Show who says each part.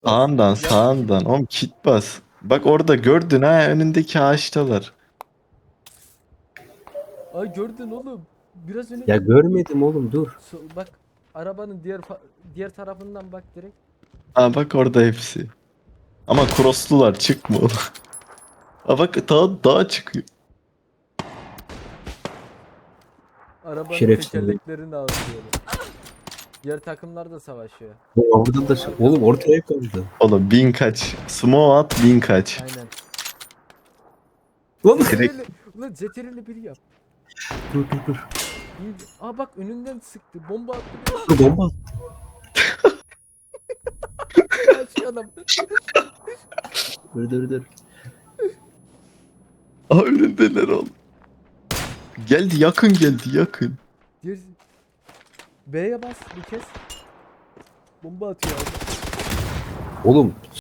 Speaker 1: Sağından
Speaker 2: Yap.
Speaker 1: sağından. Oğlum kit bas. Bak orada gördün ha, önündeki ağaçtalar.
Speaker 2: Ay gördün oğlum. Biraz öne
Speaker 3: Ya
Speaker 2: gel.
Speaker 3: görmedim oğlum, dur.
Speaker 2: Bak arabanın diğer tarafından bak direkt.
Speaker 1: Ha bak orada hepsi. Ama crosslular, çıkma oğlum. Ha bak daha çıkıyor.
Speaker 2: Arabanın
Speaker 3: Şerefsiz.
Speaker 2: tekerleklerini alıyor. Diğer takımlar da savaşıyor.
Speaker 3: Bu orada da oğlum ortaya kaldı.
Speaker 1: Oğlum bin kaç. Smoke at, bin kaç.
Speaker 2: Aynen.
Speaker 3: Lan
Speaker 2: Zetereli, ulan zetereli biri yap.
Speaker 3: dur.
Speaker 2: İyi. Aa bak önünden sıktı. Bomba attı.
Speaker 3: Dur bomba.
Speaker 2: Kaç adam.
Speaker 3: Dur.
Speaker 1: Aa önündeler oğlum. Geldi, yakın geldi, yakın.
Speaker 2: Diğer... B'ye bas bir kez. Bomba atıyor abi.
Speaker 3: Oğlum